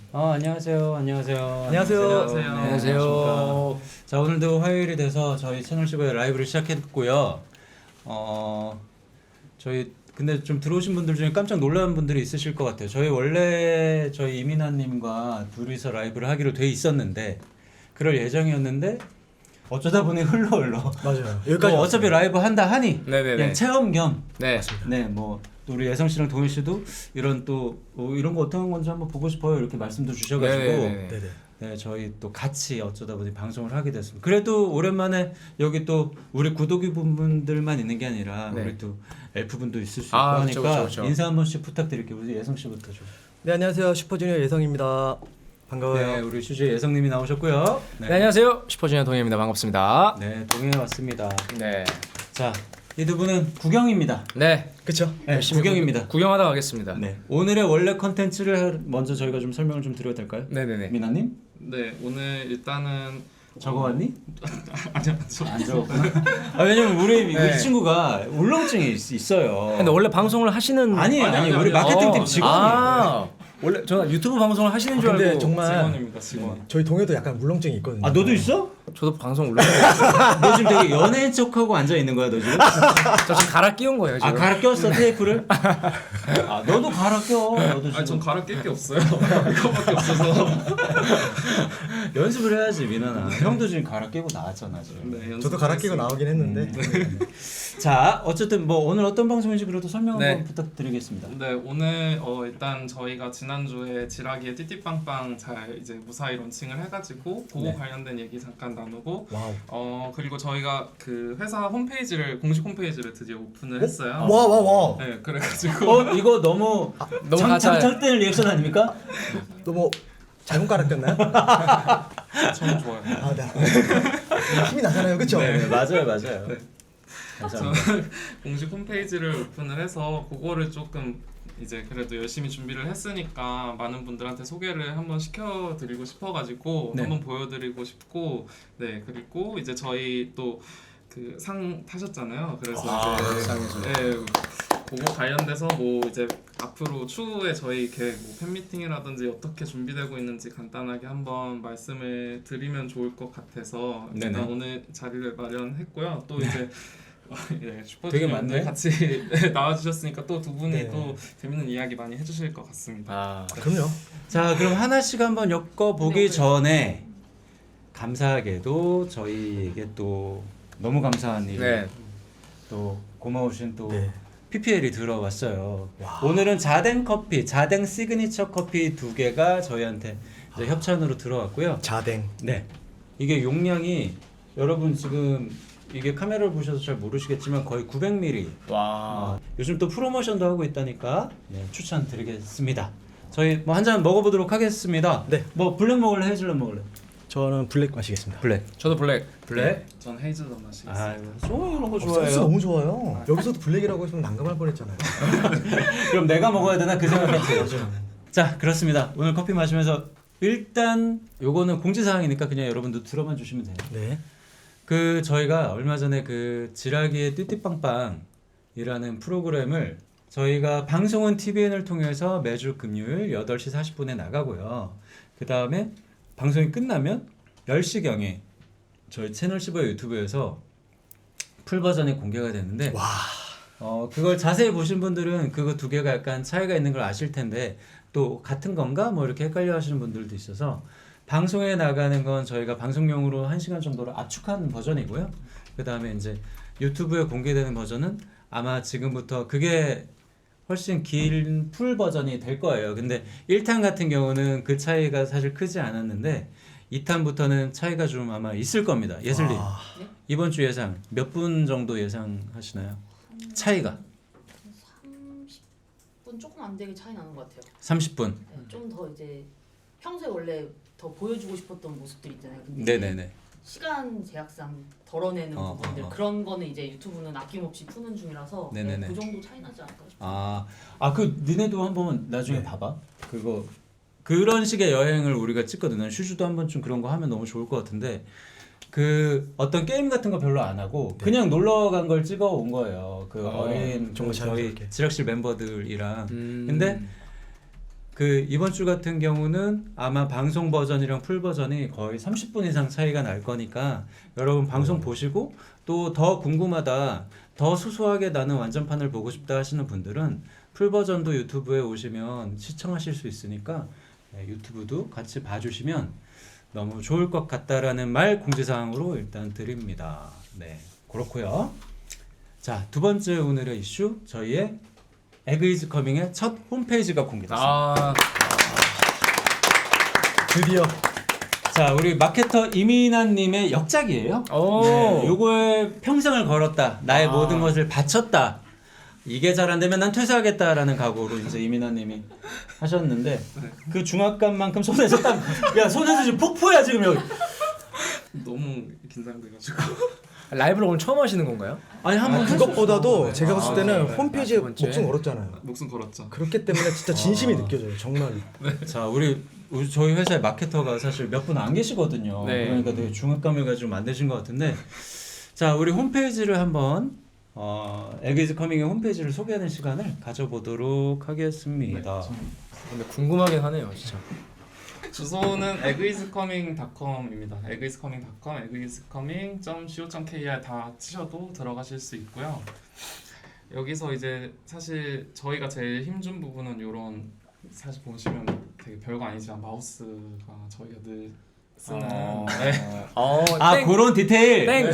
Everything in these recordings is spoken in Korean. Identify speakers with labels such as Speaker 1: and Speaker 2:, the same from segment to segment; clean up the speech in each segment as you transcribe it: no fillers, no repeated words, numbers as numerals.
Speaker 1: 안녕하세요. 안녕하세요.
Speaker 2: 안녕하세요.
Speaker 1: 네, 안녕하세요. 자, 오늘도 화요일이 돼서 저희 채널 15의 라이브를 시작했고요. 저희 근데 좀 들어오신 분들 중에 깜짝 놀란 분들이 있으실 것 같아요. 저희 이민아님과 둘이서 라이브를 하기로 돼 있었는데 그럴 예정이었는데 어쩌다 보니 흘러.
Speaker 2: 맞아요.
Speaker 1: 여기까지 어차피 라이브 한다 하니
Speaker 3: 네네네.
Speaker 1: 그냥 체험 겸.
Speaker 3: 네.
Speaker 1: 네, 뭐 또 우리 예성 씨랑 동현 씨도 이런 또 이런 거 어떤 건지 한번 보고 싶어요 이렇게 말씀도 주셔가지고
Speaker 3: 네네네.
Speaker 1: 네, 저희 또 같이 어쩌다 보니 방송을 하게 됐습니다. 그래도 오랜만에 여기 또 우리 구독이 분들만 있는 게 아니라
Speaker 3: 네.
Speaker 1: 우리 또 엘프 분도 있을 수 있고
Speaker 3: 아,
Speaker 1: 하니까
Speaker 3: 그쵸.
Speaker 1: 인사 한 번씩 부탁드릴게요. 우리 예성 씨부터 좀.
Speaker 2: 네, 안녕하세요. 슈퍼주니어 예성입니다. 반가워요.
Speaker 1: 네, 우리 슈즈의 예성님이 나오셨고요.
Speaker 3: 네, 안녕하세요. 슈퍼주니어 동현입니다. 반갑습니다.
Speaker 1: 네, 동해 왔습니다.
Speaker 3: 네.
Speaker 1: 자, 이 두 분은 구경입니다.
Speaker 3: 네.
Speaker 2: 그쵸?
Speaker 1: 네,
Speaker 3: 열심히
Speaker 1: 구경입니다.
Speaker 3: 구경하다 가겠습니다.
Speaker 1: 네, 오늘의 원래 컨텐츠를 먼저 저희가 좀 설명을 좀 드려도 될까요?
Speaker 3: 네네네.
Speaker 1: 미나님?
Speaker 4: 네, 오늘 일단은
Speaker 1: 적어왔니?
Speaker 4: 아니요,
Speaker 1: 안 적었구나. 왜냐면 우리
Speaker 3: 네.
Speaker 1: 이 친구가 울렁증이 있어요.
Speaker 3: 근데 원래 방송을 하시는
Speaker 1: 아니
Speaker 4: 아니,
Speaker 1: 우리
Speaker 4: 아니.
Speaker 1: 마케팅팀 직원이에요.
Speaker 3: 아, 원래 저 유튜브 방송을 하시는 줄
Speaker 2: 근데
Speaker 3: 알고.
Speaker 2: 정말
Speaker 4: 직원입니다, 직원.
Speaker 2: 저희 동해도 약간 물렁증이 있거든요.
Speaker 1: 아 너도 있어?
Speaker 3: 저도 방송 올려.
Speaker 1: 너 지금 되게 연예인 척하고 앉아 있는 거야 너 지금?
Speaker 3: 저 지금 갈아 끼운 거예요, 지금.
Speaker 1: 아 갈아 꼈어 테이프를? 아 너도 갈아 껴. 너도 지금
Speaker 4: 아니, 전 갈아 낄 게 없어요. 이거밖에 없어서.
Speaker 1: 연습을 해야지 민아나. 형도 지금 갈아 끼고 나왔잖아 지금.
Speaker 4: 네,
Speaker 2: 저도 갈아 끼고 나오긴 했는데.
Speaker 1: 자 어쨌든 뭐 오늘 어떤 방송인지 그래도 설명
Speaker 3: 네.
Speaker 1: 한번 부탁드리겠습니다.
Speaker 4: 네, 오늘 일단 저희가 지난주에 지라기의 띠띠빵빵 잘 이제 무사히 론칭을 해가지고 그거
Speaker 1: 네.
Speaker 4: 관련된 얘기 잠깐 나누고
Speaker 2: 와우.
Speaker 4: 그리고 저희가 그 회사 홈페이지를 공식 홈페이지를 드디어 오픈을 했어요.
Speaker 2: 와.
Speaker 4: 네, 그래가지고
Speaker 1: 이거 너무
Speaker 3: 너무 가짜.
Speaker 1: 장착된 리액션 아닙니까?
Speaker 2: 또 뭐 잘못 갈아꼈나요?
Speaker 4: 전 좋아요.
Speaker 2: 아, 네. 힘이 나잖아요. 그쵸?
Speaker 1: 네, 맞아요. 감사합니다.
Speaker 4: 저는 공식 홈페이지를 오픈을 해서 그거를 조금 이제 그래도 열심히 준비를 했으니까 많은 분들한테 소개를 한번 시켜드리고 싶어가지고
Speaker 1: 네.
Speaker 4: 한번 보여드리고 싶고 네 그리고 이제 저희 또 그 상 타셨잖아요. 그래서 이제
Speaker 3: 상에서.
Speaker 4: 네, 그거 관련돼서 뭐 이제 앞으로 추후에 저희 계획 뭐 팬미팅이라든지 어떻게 준비되고 있는지 간단하게 한번 말씀을 드리면 좋을 것 같아서
Speaker 1: 네네.
Speaker 4: 일단 오늘 자리를 마련했고요. 또 이제 예,
Speaker 1: 되게
Speaker 4: 슈퍼주니어
Speaker 1: 많네.
Speaker 4: 같이 나와주셨으니까 또 두 분이
Speaker 2: 네.
Speaker 4: 또 재밌는 이야기 많이 해주실 것 같습니다.
Speaker 3: 아.
Speaker 2: 그럼요.
Speaker 1: 자 그럼 하나씩 한번 엮어보기 전에 감사하게도 저희에게 또 너무 감사한 일,
Speaker 3: 네.
Speaker 1: 또 고마우신 또
Speaker 2: 네.
Speaker 1: PPL이 들어왔어요.
Speaker 2: 와.
Speaker 1: 오늘은 자댕 커피, 자댕 시그니처 커피 2개가 저희한테 이제 협찬으로 들어왔고요.
Speaker 2: 자댕.
Speaker 1: 네, 이게 용량이 여러분 지금 이게 카메라를 보셔서 잘 모르시겠지만 거의 900ml.
Speaker 3: 와.
Speaker 1: 요즘 또 프로모션도 하고 있다니까 네, 추천드리겠습니다. 저희 뭐 한 잔 먹어보도록 하겠습니다.
Speaker 2: 네.
Speaker 1: 뭐 블랙 먹을래, 헤이즐넛 먹을래?
Speaker 2: 저는 블랙 마시겠습니다.
Speaker 1: 블랙.
Speaker 3: 저도 블랙.
Speaker 1: 블랙?
Speaker 4: 전 헤이즐넛 마시겠습니다.
Speaker 1: 아, 소 이런 거
Speaker 2: 센스
Speaker 1: 좋아해요.
Speaker 2: 너무 좋아요. 여기서도 블랙이라고 했으면 난감할 뻔했잖아요.
Speaker 1: 그럼 내가 먹어야 되나 그 생각했지. 자, 그렇습니다. 오늘 커피 마시면서 일단 요거는 공지사항이니까 그냥 여러분도 들어만 주시면 돼요.
Speaker 2: 네.
Speaker 1: 그 저희가 얼마 전에 그 지라기의 띠띠빵빵이라는 프로그램을 저희가 방송은 TVN을 통해서 매주 금요일 8시 40분에 나가고요. 그 다음에 방송이 끝나면 10시경에 저희 채널 15의 유튜브에서 풀 버전이 공개가 되는데
Speaker 2: 와.
Speaker 1: 그걸 자세히 보신 분들은 그거 두 개가 약간 차이가 있는 걸 아실 텐데 또 같은 건가 뭐 이렇게 헷갈려 하시는 분들도 있어서 방송에 나가는 건 저희가 방송용으로 1시간 정도로 압축한 버전이고요. 그 다음에 이제 유튜브에 공개되는 버전은 아마 지금부터 그게 훨씬 긴 풀 버전이 될 거예요. 근데 1탄 같은 경우는 그 차이가 사실 크지 않았는데 2탄부터는 차이가 좀 아마 있을 겁니다. 예슬님
Speaker 2: 와.
Speaker 1: 이번 주 예상 몇 분 정도 예상하시나요? 차이가
Speaker 5: 30분 조금 안 되게 차이 나는 것 같아요.
Speaker 1: 30분.
Speaker 5: 네, 좀 더 이제 평소에 원래 더 보여주고 싶었던 모습들 있잖아요. 근데
Speaker 1: 네네네.
Speaker 5: 시간 제약상 덜어내는 부분들 그런 거는 이제 유튜브는 아낌없이 푸는 중이라서 네,
Speaker 1: 네네네.
Speaker 5: 그 정도 차이 나지 않을까 싶어요.
Speaker 1: 그 니네도 한번 나중에
Speaker 2: 네.
Speaker 1: 봐봐. 그거 그런 식의 여행을 우리가 찍거든요. 슈슈도 한번 좀 그런 거 하면 너무 좋을 것 같은데 그 어떤 게임 같은 거 별로 안 하고
Speaker 2: 네.
Speaker 1: 그냥 놀러 간 걸 찍어 온 거예요. 그 어린
Speaker 2: 정말
Speaker 1: 그 저희
Speaker 2: 자연스럽게.
Speaker 1: 지락실 멤버들이랑. 근데 그 이번 주 같은 경우는 아마 방송 버전이랑 풀 버전이 거의 30분 이상 차이가 날 거니까 여러분 방송 보시고 또 더 궁금하다, 더 소소하게 나는 완전판을 보고 싶다 하시는 분들은 풀 버전도 유튜브에 오시면 시청하실 수 있으니까 유튜브도 같이 봐주시면 너무 좋을 것 같다라는 말 공지사항으로 일단 드립니다. 네, 그렇고요. 자, 두 번째 오늘의 이슈, 저희의 에그 이즈 커밍의 첫 홈페이지가 공개됐습니다.
Speaker 3: 아,
Speaker 2: 드디어
Speaker 1: 자, 우리 마케터 이민아님의 역작이에요.
Speaker 3: 오.
Speaker 1: 네, 요거에 평생을 걸었다, 나의
Speaker 3: 아.
Speaker 1: 모든 것을 바쳤다, 이게 잘 안 되면 난 퇴사하겠다라는 각오로 이제 이민아님이 하셨는데 그 중압감만큼 손에서 딱, 야 손에서 지금 폭포야 지금 여기.
Speaker 4: 너무 긴장돼가지고
Speaker 3: 라이브를 오늘 처음 하시는 건가요?
Speaker 1: 아니 한번
Speaker 2: 그것보다도 제가 봤을 때는
Speaker 3: 네.
Speaker 2: 홈페이지에
Speaker 3: 두 번째.
Speaker 2: 목숨 걸었잖아요.
Speaker 4: 목숨 걸었죠.
Speaker 2: 그렇기 때문에 진짜 진심이 느껴져요. 정말.
Speaker 1: 자, 우리 저희 회사의 마케터가 사실 몇 분 안 계시거든요.
Speaker 3: 네.
Speaker 1: 그러니까 되게 중압감을 가지고 만드신 것 같은데, 자, 우리 홈페이지를 한번 에그 이즈 커밍의 홈페이지를 소개하는 시간을 가져보도록 하겠습니다.
Speaker 3: 근데 궁금하긴 하네요, 진짜.
Speaker 4: 주소는 egiscoming.com입니다. egiscoming.com, egiscoming.co.kr 다 치셔도 들어가실 수 있고요. 여기서 이제 사실 저희가 제일 힘준 부분은 이런, 사실 보시면 되게 별거 아니지만 마우스가 저희가 늘 쓰는 네.
Speaker 1: 아, 그런 디테일.
Speaker 3: 땡.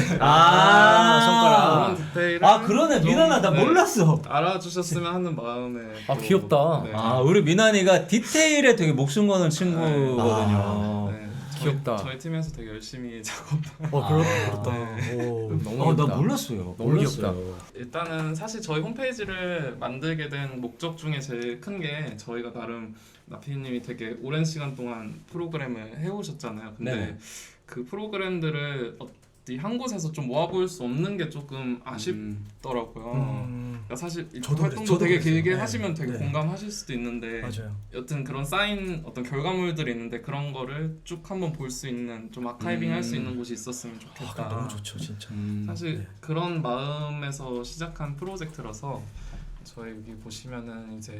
Speaker 1: 아,
Speaker 4: 그런 디테일을
Speaker 1: 아, 그러네.
Speaker 4: 좀,
Speaker 1: 미나나 나
Speaker 4: 네,
Speaker 1: 몰랐어.
Speaker 4: 알아주셨으면 하는 마음에
Speaker 3: 아,
Speaker 4: 또,
Speaker 3: 귀엽다.
Speaker 4: 네.
Speaker 1: 아, 우리 미나니가 디테일에 되게 목숨 거는 친구거든요.
Speaker 4: 네.
Speaker 3: 귀엽다.
Speaker 4: 저희 팀에서 되게 열심히 작업.
Speaker 2: 그렇다.
Speaker 1: 네.
Speaker 2: 오.
Speaker 3: 너무
Speaker 1: 나
Speaker 3: 귀엽다.
Speaker 1: 몰랐어요.
Speaker 3: 너무
Speaker 1: 몰랐어요.
Speaker 3: 귀엽다.
Speaker 4: 일단은 사실 저희 홈페이지를 만들게 된 목적 중에 제일 큰 게, 저희가 나름 나피님이 되게 오랜 시간 동안 프로그램을 해오셨잖아요. 근데
Speaker 1: 네네.
Speaker 4: 그 프로그램들을 어디 한 곳에서 좀 모아볼 수 없는 게 조금 아쉽더라고요. 그러니까 사실 이
Speaker 2: 저도
Speaker 4: 활동도
Speaker 2: 저도
Speaker 4: 되게
Speaker 2: 그랬어요.
Speaker 4: 길게
Speaker 2: 네.
Speaker 4: 하시면 되게
Speaker 2: 네.
Speaker 4: 공감하실 수도 있는데,
Speaker 2: 맞아요.
Speaker 4: 여튼 그런 쌓인 어떤 결과물들이 있는데 그런 거를 쭉 한번 볼 수 있는, 좀 아카이빙 할 수 있는 곳이 있었으면 좋겠다.
Speaker 2: 너무 좋죠, 진짜.
Speaker 4: 사실
Speaker 2: 네.
Speaker 4: 그런 마음에서 시작한 프로젝트라서, 저희 여기 보시면은 이제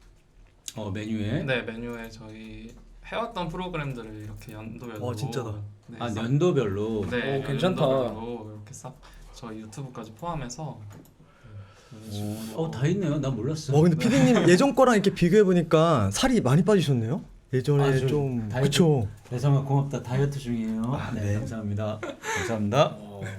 Speaker 1: 메뉴에.
Speaker 4: 네, 메뉴에 저희 해왔던 프로그램들을 이렇게 연도별로
Speaker 2: 진짜다.
Speaker 4: 네,
Speaker 1: 아,
Speaker 4: 싹-
Speaker 1: 연도별로.
Speaker 4: 네,
Speaker 3: 오, 괜찮다.
Speaker 4: 연도별로 이렇게 싹 저희 유튜브까지 포함해서 이런 식으로.
Speaker 1: 다 있네요. 나 몰랐어.
Speaker 2: 근데 PD님 예전 거랑 이렇게 비교해 보니까 살이 많이 빠지셨네요. 예전에
Speaker 1: 아,
Speaker 2: 좀
Speaker 1: 다이어트-
Speaker 2: 그쵸.
Speaker 1: 대성아 고맙다. 다이어트 중이에요. 네,
Speaker 2: 네.
Speaker 1: 감사합니다. 감사합니다.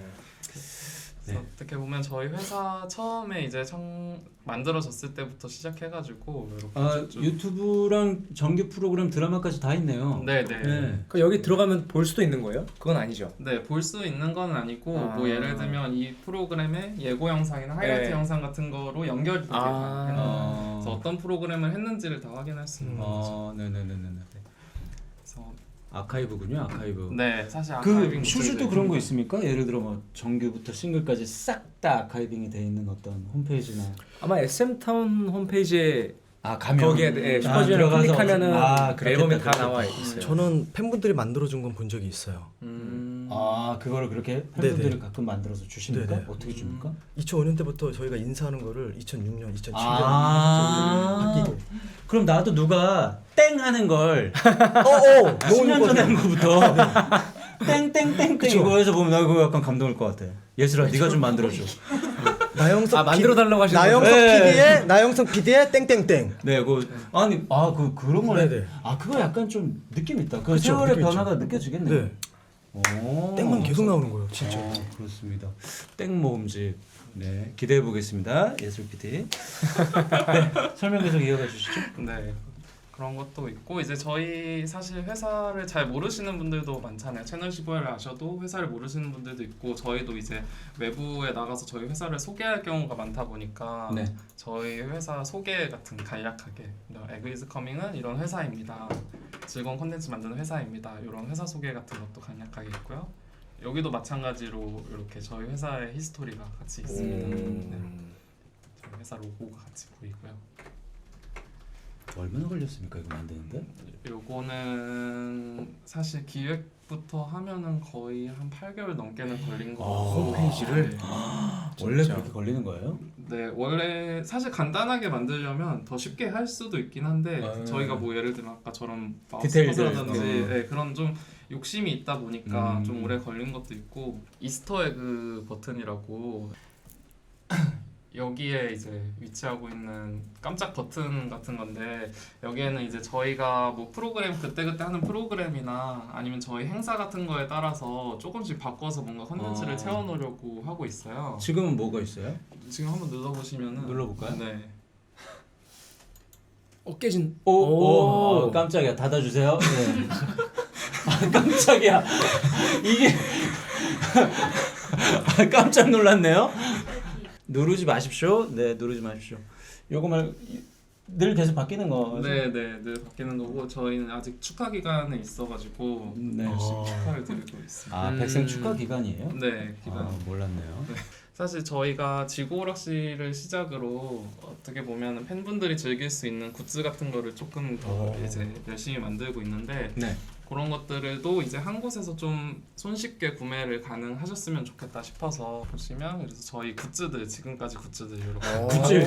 Speaker 4: 그래서 어떻게 보면 저희 회사 처음에 이제 만들어졌을 때부터 시작해가지고 이렇게
Speaker 1: 아,
Speaker 4: 쭉-
Speaker 1: 유튜브랑 정규 프로그램 드라마까지 다 있네요.
Speaker 4: 네네.
Speaker 3: 그 여기 들어가면 볼 수도 있는 거예요? 그건 아니죠.
Speaker 4: 네, 볼 수 있는 건 아니고,
Speaker 3: 아.
Speaker 4: 뭐 예를 들면 이 프로그램의 예고 영상이나 하이라이트
Speaker 3: 네.
Speaker 4: 영상 같은 거로 연결이 되게
Speaker 3: 아.
Speaker 4: 가능해요. 그래서 어떤 프로그램을 했는지를 다 확인할 수 있는 거죠.
Speaker 1: 네네네네.
Speaker 4: 그래서
Speaker 1: 아카이브군요, 아카이브.
Speaker 4: 네, 사실
Speaker 1: 그
Speaker 4: 아카이빙
Speaker 1: 슈즈도
Speaker 4: 목적이
Speaker 1: 그런 거
Speaker 4: 되게
Speaker 1: 있습니까? 예를 들어 뭐 정규부터 싱글까지 싹 다 아카이빙이 돼 있는 어떤 홈페이지나.
Speaker 3: 아마 SM 타운 홈페이지에
Speaker 1: 가면
Speaker 3: 거기에 슈퍼주니어
Speaker 1: 들어가서-
Speaker 3: 클릭하면은
Speaker 1: 그렇겠다,
Speaker 3: 앨범이 다
Speaker 1: 그렇겠다.
Speaker 3: 나와 있어요.
Speaker 2: 저는 팬분들이 만들어준 건 본 적이 있어요.
Speaker 1: 그거를 그렇게 팬분들이
Speaker 2: 네네.
Speaker 1: 가끔 만들어서 주십니까?
Speaker 2: 네네.
Speaker 1: 어떻게 줍니까?
Speaker 2: 2005년 때부터 저희가 인사하는 거를 2006년, 2007년
Speaker 1: 아, 그럼 나도 누가 땡 하는 걸
Speaker 2: 너무
Speaker 1: 10년 전에 한
Speaker 2: 좋거든요.
Speaker 1: 거부터 땡땡땡땡 이거 해서 보면 나 그거 약간 감동일 것 같아. 예슬아, 네가 좀 만들어줘.
Speaker 2: 나영석
Speaker 3: 만들어 달라고 하시는
Speaker 2: 나영석
Speaker 1: 거죠?
Speaker 2: PD의 나영석 PD의 땡땡땡.
Speaker 1: 네, 그런 거네.
Speaker 2: 네네.
Speaker 1: 그거 약간 좀 느낌 있다. 그
Speaker 2: 그쵸,
Speaker 1: 세월의
Speaker 2: 느낌
Speaker 1: 변화가 느껴지겠네.
Speaker 2: 네.
Speaker 1: 오.
Speaker 2: 땡만 계속 나오는 거예요, 진짜.
Speaker 1: 그렇습니다. 땡 모음집. 네, 기대해 보겠습니다. 예술 PD. 네, 설명 계속 이어가 주시죠.
Speaker 4: 네, 그런 것도 있고, 이제 저희 사실 회사를 잘 모르시는 분들도 많잖아요. 채널 15를 아셔도 회사를 모르시는 분들도 있고, 저희도 이제 외부에 나가서 저희 회사를 소개할 경우가 많다 보니까
Speaker 1: 네.
Speaker 4: 저희 회사 소개 같은 간략하게, 에그 이즈 커밍은 이런 회사입니다, 즐거운 콘텐츠 만드는 회사입니다, 이런 회사 소개 같은 것도 간략하게 있고요. 여기도 마찬가지로 이렇게 저희 회사의 히스토리가 같이 있습니다. 네. 저희 회사 로고가 같이 보이고요.
Speaker 1: 얼마나 걸렸습니까 이거 만드는데?
Speaker 4: 요거는 사실 기획부터 하면은 거의 한 8개월 넘게는 걸린 거 같고
Speaker 3: 홈페이지를?
Speaker 4: 네.
Speaker 1: 원래
Speaker 3: 진짜.
Speaker 1: 그렇게 걸리는 거예요?
Speaker 4: 네, 원래 사실 간단하게 만들려면 더 쉽게 할 수도 있긴 한데 저희가 뭐 예를 들면 아까처럼
Speaker 1: 디테일들.
Speaker 4: 마우스라든지 네, 그런 좀 욕심이 있다 보니까 좀 오래 걸린 것도 있고 이스터에그 버튼이라고 여기에 이제 위치하고 있는 깜짝 버튼 같은 건데 여기에는 이제 저희가 뭐 프로그램 그때그때 하는 프로그램이나 아니면 저희 행사 같은 거에 따라서 조금씩 바꿔서 뭔가 컨텐츠를 채워놓으려고 하고 있어요.
Speaker 1: 지금은 뭐가 있어요?
Speaker 4: 지금 한번 눌러보시면은
Speaker 1: 눌러볼까요?
Speaker 4: 네.
Speaker 3: 깨진.
Speaker 1: 오, 깜짝이야. 닫아주세요. 네. 아, 깜짝이야. 이게 아, 깜짝 놀랐네요. 누르지 마십시오. 네, 누르지 마십시오. 요거 늘 계속 바뀌는 거.
Speaker 4: 네, 늘 바뀌는 거고 저희는 아직 축하 기간에 있어가지고
Speaker 1: 네.
Speaker 4: 열심히 축하를 드리고 있습니다.
Speaker 1: 아, 백생 축하 기간이에요?
Speaker 4: 네, 기간.
Speaker 1: 아, 몰랐네요.
Speaker 4: 사실 저희가 지구오락실을 시작으로 어떻게 보면 팬분들이 즐길 수 있는 굿즈 같은 거를 조금 더 이제 열심히 만들고 있는데
Speaker 1: 네.
Speaker 4: 그런 것들도 이제 한 곳에서 좀 손쉽게 구매를 가능하셨으면 좋겠다 싶어서 보시면 그래서 저희 굿즈들 지금까지 굿즈들 이렇게
Speaker 1: 굿즈.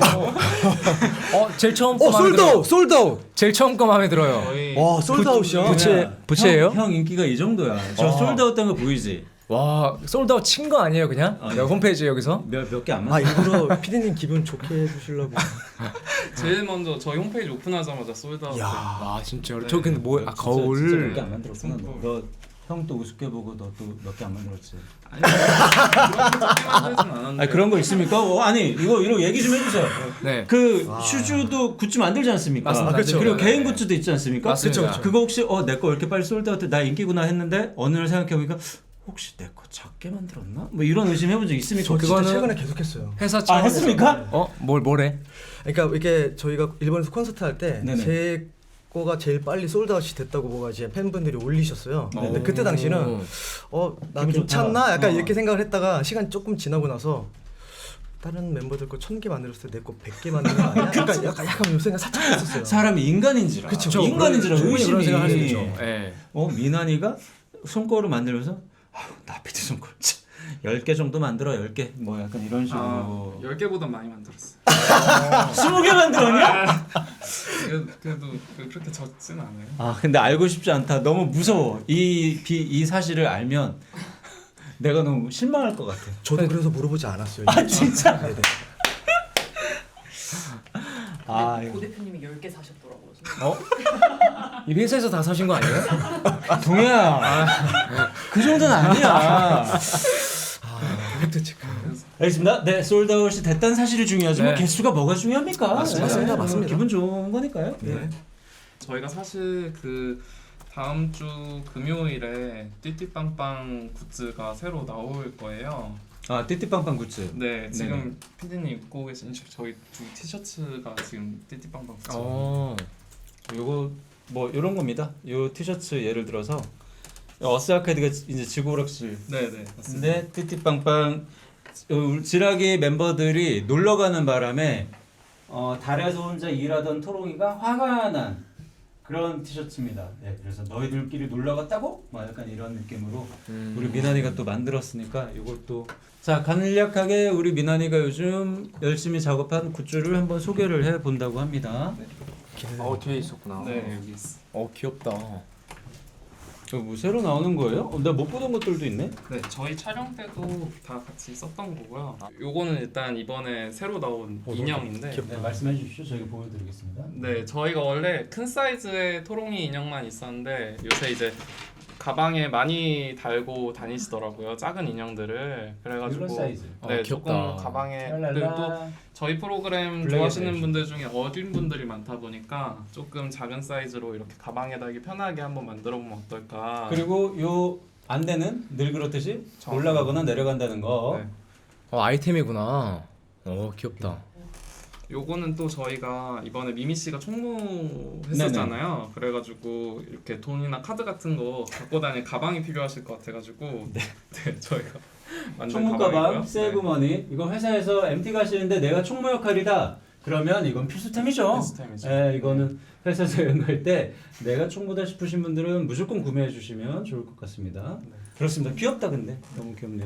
Speaker 3: 제일 처음 거 마음에 들어요.
Speaker 2: 솔드아웃 솔드아웃.
Speaker 3: 제일 처음 거 마음에 들어요.
Speaker 4: 저희
Speaker 2: 와 솔드아웃이야.
Speaker 3: 부채예요?
Speaker 1: 형 인기가 이 정도야. 저 솔드아웃 된거 보이지?
Speaker 3: 와, 솔드아웃 친 거 아니에요, 그냥?
Speaker 1: 아,
Speaker 3: 여기 홈페이지 여기서?
Speaker 1: 몇 개 안
Speaker 2: 아
Speaker 1: 맞아.
Speaker 2: 일부러 피디님 기분 좋게 해주시려고.
Speaker 4: 제일 먼저 저희 홈페이지 오픈하자마자 솔드아웃
Speaker 2: 야.
Speaker 3: 아, 진짜로?
Speaker 4: 네.
Speaker 3: 저 근데 뭐,
Speaker 1: 진짜
Speaker 3: 거울.
Speaker 1: 몇 개 안 만들었구나. 너 형 또 우습게 보고 너 또 몇 개 안 만들었지.
Speaker 4: 아니 그렇게 작게 만들진 않았는데
Speaker 1: 아니 그런 거 있습니까? 아니 이거 얘기 좀 해주세요.
Speaker 3: 네.
Speaker 1: 그 슈즈도 굿즈 만들지 않습니까?
Speaker 3: 맞습니다.
Speaker 2: 그렇죠.
Speaker 1: 그리고
Speaker 3: 네.
Speaker 1: 개인 굿즈도 있지 않습니까?
Speaker 3: 맞습니다. 그쵸, 그쵸.
Speaker 1: 그거 혹시 내 거 왜 이렇게 빨리 솔드아웃 나 인기구나 했는데 어느 날 생각해 보니까 혹시 내 거 작게 만들었나? 뭐 이런 의심 해본 적 있습니까?
Speaker 2: 저 진짜
Speaker 3: 그거는-
Speaker 2: 최근에 계속했어요.
Speaker 3: 회사
Speaker 1: 아
Speaker 3: 차원에서.
Speaker 1: 했습니까?
Speaker 3: 뭐래?
Speaker 2: 그러니까 이게 저희가 일본에서 콘서트 할 때
Speaker 1: 네네.
Speaker 2: 제 거가 제일 빨리 솔드아웃이 됐다고 뭐가 이제 팬분들이 올리셨어요.
Speaker 1: 오.
Speaker 2: 근데 그때 당시는 나
Speaker 1: 기분
Speaker 2: 괜찮나?
Speaker 1: 좋다.
Speaker 2: 약간 이렇게 생각을 했다가 시간 조금 지나고 나서 다른 멤버들 거 1000개 만들었을 때 내 거 100개 만든 거 아니야? 약간 요 생각 살짝 했었어요.
Speaker 1: 사람이 인간인지라.
Speaker 2: 그쵸.
Speaker 1: 인간인지라
Speaker 3: 충분히 그런 생각 할수
Speaker 1: 의심이.
Speaker 3: 있죠. 예.
Speaker 1: 미나니가 손거울을 만들면서 나 피디 손거울 10개 정도 만들어 10개 뭐 약간 이런 식으로
Speaker 4: 10개보다 많이 만들었어요.
Speaker 1: 20개 만들었냐?
Speaker 4: 그래도 그렇게 적진 않아요.
Speaker 1: 아 근데 알고 싶지 않다. 너무 무서워. 이 사실을 알면 내가 너무 실망할 것 같아.
Speaker 2: 저도 그래서 물어보지 않았어요.
Speaker 1: 아 진짜?
Speaker 2: 네네.
Speaker 1: 아
Speaker 5: 고 대표님이 10개 사셨더라고요.
Speaker 3: 이 회사에서 다 사신 거 아니에요?
Speaker 1: 동해야. 그 정도는 아니야.
Speaker 2: 팩트 체크.
Speaker 1: 알겠습니다. 네, 솔드아웃이 됐다는 사실이 중요하지만
Speaker 3: 네.
Speaker 1: 개수가 뭐가 중요합니까?
Speaker 2: 맞습니다. 맞습니다.
Speaker 1: 기분 좋은 거니까요.
Speaker 2: 네.
Speaker 4: 저희가 사실 그 다음 주 금요일에 띠띠빵빵 굿즈가 새로 나올 거예요.
Speaker 1: 아, 띠띠빵빵 굿즈.
Speaker 4: 네, 지금 피디님 입고 계신 저희 두 티셔츠가 지금 띠띠빵빵 굿즈.
Speaker 1: 요거 뭐 이런 겁니다. 요 티셔츠 예를 들어서 어스 아카이드가 이제 지구오락실.
Speaker 4: 네네.
Speaker 1: 근데 띠띠빵빵 지라기 멤버들이 놀러 가는 바람에 달에서 혼자 일하던 토롱이가 화가 난 그런 티셔츠입니다. 네, 그래서 너희들끼리 놀러 갔다고? 뭐 약간 이런 느낌으로 우리 미나니가 또 만들었으니까 이것도 자 간략하게 우리 미나니가 요즘 열심히 작업한 굿즈를 한번 소개를 해 본다고 합니다.
Speaker 3: 뒤에 있었구나.
Speaker 4: 네, 여기 있어.
Speaker 3: 귀엽다.
Speaker 1: 뭐 새로 나오는 거예요? 내가 못 보던 것들도 있네.
Speaker 4: 네, 저희 촬영 때도 다 같이 썼던 거고요. 요거는 일단 이번에 새로 나온 인형인데
Speaker 1: 네, 말씀해 주십시오. 저희가 보여드리겠습니다.
Speaker 4: 네, 저희가 원래 큰 사이즈의 토롱이 인형만 있었는데 요새 이제 가방에 많이 달고 다니시더라고요. 작은 인형들을. 그래가지고
Speaker 1: 이런 사이즈.
Speaker 4: 네,
Speaker 3: 귀엽다.
Speaker 4: 조금 가방에 그리고 또 저희 프로그램
Speaker 1: 블랙
Speaker 4: 좋아하시는
Speaker 1: 에디션.
Speaker 4: 분들 중에 어린 분들이 많다 보니까 조금 작은 사이즈로 이렇게 가방에 달기 편하게 한번 만들어 보면 어떨까.
Speaker 1: 그리고 요 안대는 늘 그렇듯이 올라가거나 내려간다는 거.
Speaker 4: 네.
Speaker 3: 아이템이구나. 귀엽다.
Speaker 4: 요거는 또 저희가 이번에 미미 씨가 총무했었잖아요. 그래가지고 이렇게 돈이나 카드 같은 거 갖고 다닐 가방이 필요하실 것 같아가지고 네, 저희가 만든
Speaker 1: 총무 가방,
Speaker 4: 가방이고요.
Speaker 1: 세이브머니. 이거 회사에서 MT 가시는데 내가 총무 역할이다 그러면 이건 필수템이죠.
Speaker 4: 필수템이죠.
Speaker 1: 예, 이거는 회사에서 여행 갈 때 내가 충분하다 싶으신 분들은 무조건 구매해 주시면 좋을 것 같습니다.
Speaker 4: 네.
Speaker 1: 그렇습니다. 귀엽다 근데 너무 귀엽네요.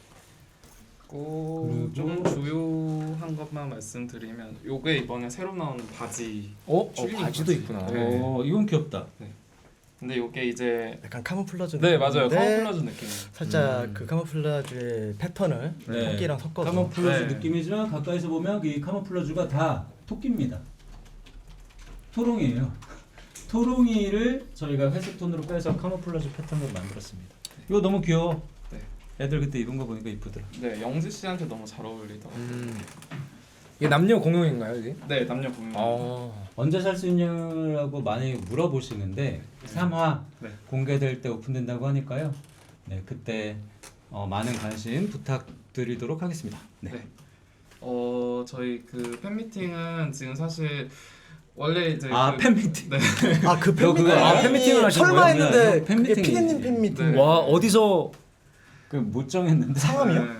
Speaker 4: 그리고 좀 주요한 것만 말씀드리면 요게 이번에 새로 나온 바지.
Speaker 3: 바지도
Speaker 4: 바지.
Speaker 3: 있구나.
Speaker 4: 네.
Speaker 1: 이건 귀엽다.
Speaker 4: 근데 요게 이제
Speaker 2: 약간 카모플라즈.
Speaker 4: 네 맞아요
Speaker 2: 느낌인데
Speaker 4: 카모플라즈 느낌.
Speaker 2: 살짝 그 카모플라즈의 패턴을
Speaker 1: 네.
Speaker 2: 토끼랑 섞어서.
Speaker 1: 카모플라주
Speaker 4: 네.
Speaker 1: 느낌이지만 가까이서 보면 이 카모플라주가 다 토끼입니다. 토롱이에요. 토롱이를 저희가 회색 톤으로 빼서 카모플라주 패턴으로 만들었습니다. 이거 너무 귀여워.
Speaker 4: 네.
Speaker 1: 애들 그때 입은 거 보니까 이쁘더라.
Speaker 4: 네 영지 씨한테 너무 잘 어울리더라고요.
Speaker 3: 이게 남녀 공용인가요 이게?
Speaker 4: 네 남녀 공용.
Speaker 1: 언제 살 수 있냐고 많이 물어보시는데 3화
Speaker 4: 네.
Speaker 1: 공개될 때 오픈된다고 하니까요. 네 그때 많은 관심 부탁드리도록 하겠습니다. 네.
Speaker 4: 네. 저희 그 팬미팅은 지금 사실 원래 이제
Speaker 1: 팬미팅.
Speaker 4: 네.
Speaker 2: 아그
Speaker 1: 그거
Speaker 3: 팬미팅을 하신
Speaker 2: 설마
Speaker 3: 거예요?
Speaker 2: 했는데
Speaker 1: 네,
Speaker 2: 그게
Speaker 1: 팬미팅이지.
Speaker 2: 피디님 팬미팅.
Speaker 4: 네.
Speaker 3: 와 어디서
Speaker 1: 그 못 정했는데
Speaker 2: 상암이요?
Speaker 4: 네.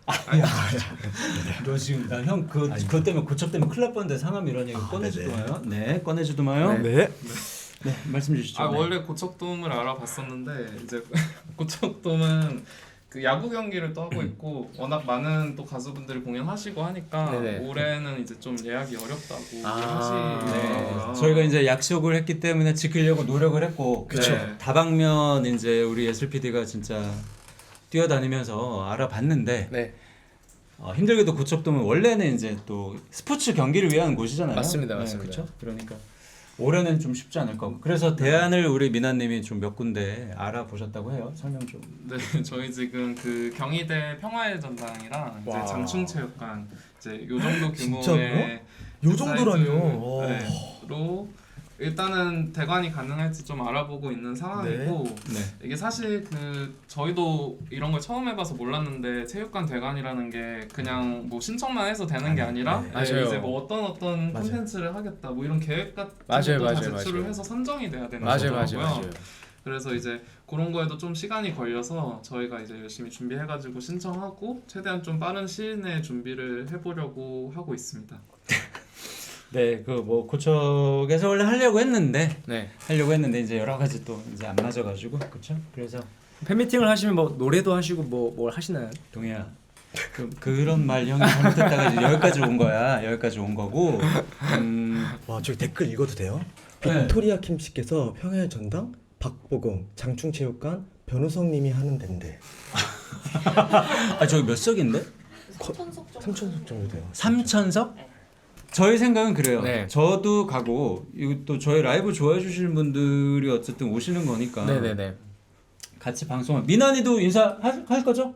Speaker 1: 너 지금 나 형 그것 때문에 고첩 때문에 큰일 날 뻔한데 상암 이런 얘기 꺼내지도 마요. 네 꺼내지도 마요.
Speaker 2: 네.
Speaker 1: 네 말씀 주시죠. 네.
Speaker 4: 원래 고척돔을 알아봤었는데 이제 고척돔은 그 야구 경기를 또 하고 있고 워낙 많은 또 가수분들이 공연하시고 하니까
Speaker 3: 네네.
Speaker 4: 올해는 이제 좀 예약이 어렵다고
Speaker 1: 네.
Speaker 4: 하시더라고요.
Speaker 1: 저희가 이제 약속을 했기 때문에 지키려고 노력을 했고
Speaker 4: 그쵸.
Speaker 1: 다방면 이제 우리 예슬 PD가 진짜 뛰어다니면서 알아봤는데
Speaker 3: 네
Speaker 1: 힘들게도 고척돔은 원래는 이제 또 스포츠 경기를 위한 곳이잖아요.
Speaker 3: 맞습니다, 맞습니다.
Speaker 1: 그렇죠. 그러니까 올해는 좀 쉽지 않을 거고 그래서 대안을 우리 미나님이 좀 몇 군데 알아보셨다고 해요. 설명 좀.
Speaker 4: 네, 저희 지금 그 경희대 평화의 전당이랑 이제
Speaker 2: 와.
Speaker 4: 장충체육관 이제 요 정도
Speaker 2: 진짜요?
Speaker 4: 규모의
Speaker 2: 요 정도라뇨.
Speaker 4: 로 일단은 대관이 가능할지 좀 알아보고 있는 상황이고
Speaker 1: 네.
Speaker 4: 이게 사실 그 저희도 이런 걸 처음 해봐서 몰랐는데 체육관 대관이라는 게 그냥 뭐 신청만 해서 되는 게 아니라
Speaker 2: 네.
Speaker 3: 맞아요.
Speaker 4: 이제 뭐 어떤
Speaker 2: 맞아요.
Speaker 4: 콘텐츠를 하겠다 뭐 이런 계획 같은
Speaker 3: 맞아요,
Speaker 4: 것도 다
Speaker 3: 맞아요,
Speaker 4: 제출을
Speaker 3: 맞아요.
Speaker 4: 해서 선정이 돼야 되는
Speaker 3: 맞아요
Speaker 4: 거더라고요. 그래서 이제 그런 거에도 좀 시간이 걸려서 저희가 이제 열심히 준비해가지고 신청하고 최대한 좀 빠른 시일 내에 준비를 해보려고 하고 있습니다.
Speaker 1: 네, 그 뭐 고척에서 원래 하려고 했는데
Speaker 3: 네
Speaker 1: 이제 여러 가지 또 이제 안 맞아가지고 그렇죠. 그래서
Speaker 3: 팬미팅을 하시면 뭐 노래도 하시고 뭘 하시나요?
Speaker 1: 동해야 그런 말 형이 잘못했다가 이제 여기까지 온 거야. 여기까지 온 거고.
Speaker 2: 와 저기 댓글 읽어도 돼요?
Speaker 1: 네.
Speaker 2: 빅토리아 킴 씨께서 평야의 전당, 박보검, 장충체육관, 변우성님이 하는 데인데
Speaker 1: 저기 몇 석인데?
Speaker 5: 3천석 정도.
Speaker 2: 3천석 정도 돼요.
Speaker 1: 3천석?
Speaker 5: 네.
Speaker 1: 저희 생각은 그래요.
Speaker 3: 네.
Speaker 1: 저도 가고 이거 또 저희 라이브 좋아해 주시는 분들이 어쨌든 오시는 거니까
Speaker 3: 네네네.
Speaker 1: 같이 방송을 미나니도 인사할 거죠?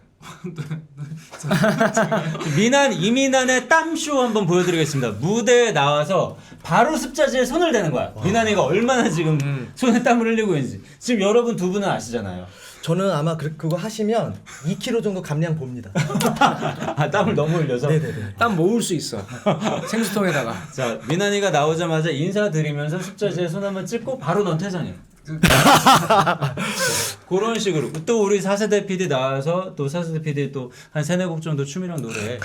Speaker 1: 이민환의 땀쇼 한번 보여드리겠습니다. 무대에 나와서 바로 습자지에 손을 대는 거야. 미나니가 얼마나 지금 손에 땀을 흘리고 있는지 지금 여러분 두 분은 아시잖아요.
Speaker 2: 저는 아마 그거 하시면 2kg 정도 감량 봅니다.
Speaker 1: 땀을 너무 흘려서.
Speaker 2: 네네네.
Speaker 3: 땀 모을 수 있어. 생수통에다가.
Speaker 1: 자 미나니가 나오자마자 인사드리면서 습자지에 손 한번 찍고 바로 넌 퇴장이야. 그런 식으로 또 우리 4세대 PD 나와서 또 4세대 PD 또 한 3-4곡 정도 춤이랑 노래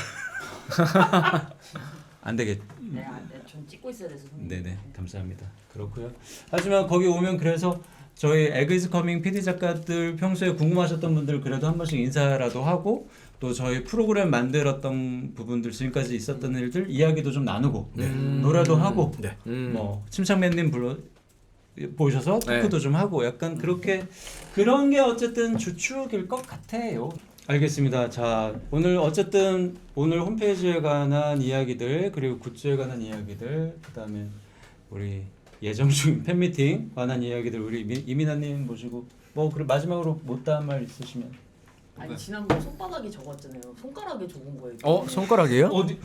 Speaker 1: 안 되겠.
Speaker 5: 네, 좀 찍고 있어야 돼서.
Speaker 1: 네네 감사합니다. 그렇고요. 하지만 거기 오면 그래서 저희 에그이즈 커밍 PD 작가들 평소에 궁금하셨던 분들 그래도 한 번씩 인사라도 하고 또 저희 프로그램 만들었던 부분들 지금까지 있었던 일들 이야기도 좀 나누고 노래도 하고
Speaker 2: 네.
Speaker 1: 뭐 침착맨님 불러 보셔서
Speaker 3: 네.
Speaker 1: 토크도 좀 하고 약간 그렇게 그런 게 어쨌든 주축일 것 같아요. 알겠습니다. 자 오늘 어쨌든 오늘 홈페이지에 관한 이야기들 그리고 굿즈에 관한 이야기들 그다음에 우리 예정 중인 팬미팅 관한 이야기들 우리 이민아님 모시고 뭐 그리고 마지막으로 못다한 말 있으시면
Speaker 5: 아니 지난번 손바닥이 적었잖아요. 손가락이 적은 거예요.
Speaker 3: 손가락이에요?
Speaker 1: 어디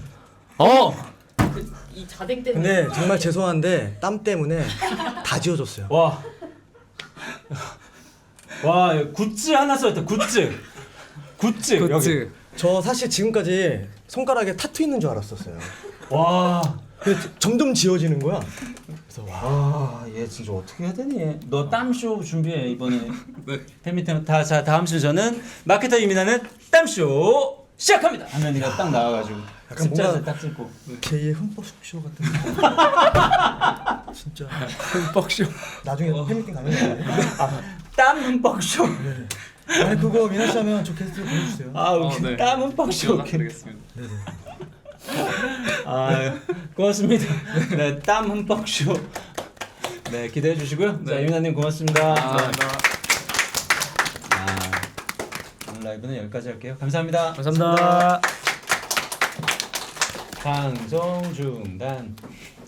Speaker 5: 이 자댕 때문에.
Speaker 2: 근데 정말 죄송한데 땀 때문에 다 지워졌어요.
Speaker 1: 와 굿즈 하나 써있다 굿즈 여기
Speaker 2: 저 사실 지금까지 손가락에 타투 있는 줄 알았었어요.
Speaker 1: 와
Speaker 2: 근데 점점 지워지는 거야. 그래서 와.
Speaker 1: 얘 진짜 어떻게 해야 되니? 너 땀쇼 준비해 이번에. 팬미팅 자 다음 시즌은 마케터 이민아는 땀쇼 시작합니다. 하면 네가 딱 나와가지고
Speaker 2: 약간
Speaker 1: 습자에서
Speaker 2: 뭔가
Speaker 1: 딱 찍고.
Speaker 2: 제2의 흠뻑쇼 같은 진짜
Speaker 3: 흠뻑쇼.
Speaker 2: 나중에 팬미팅 가면 되나요?
Speaker 1: 땀 흠뻑쇼.
Speaker 2: 네. 아니 그거 민아 씨 하면 저 게스트 보내주세요.
Speaker 1: 아,
Speaker 4: 네.
Speaker 1: 땀 흠뻑쇼.
Speaker 4: 연락드리겠습니다.
Speaker 2: 네네.
Speaker 1: 아, 고맙습니다. 네, 땀 흠뻑쇼. 네, 기대해 주시고요. 자,
Speaker 4: 네.
Speaker 1: 이민아님 고맙습니다.
Speaker 4: 감사합니다.
Speaker 1: 오늘 라이브는 여기까지 할게요. 감사합니다.
Speaker 3: 감사합니다.
Speaker 1: 방송 중단.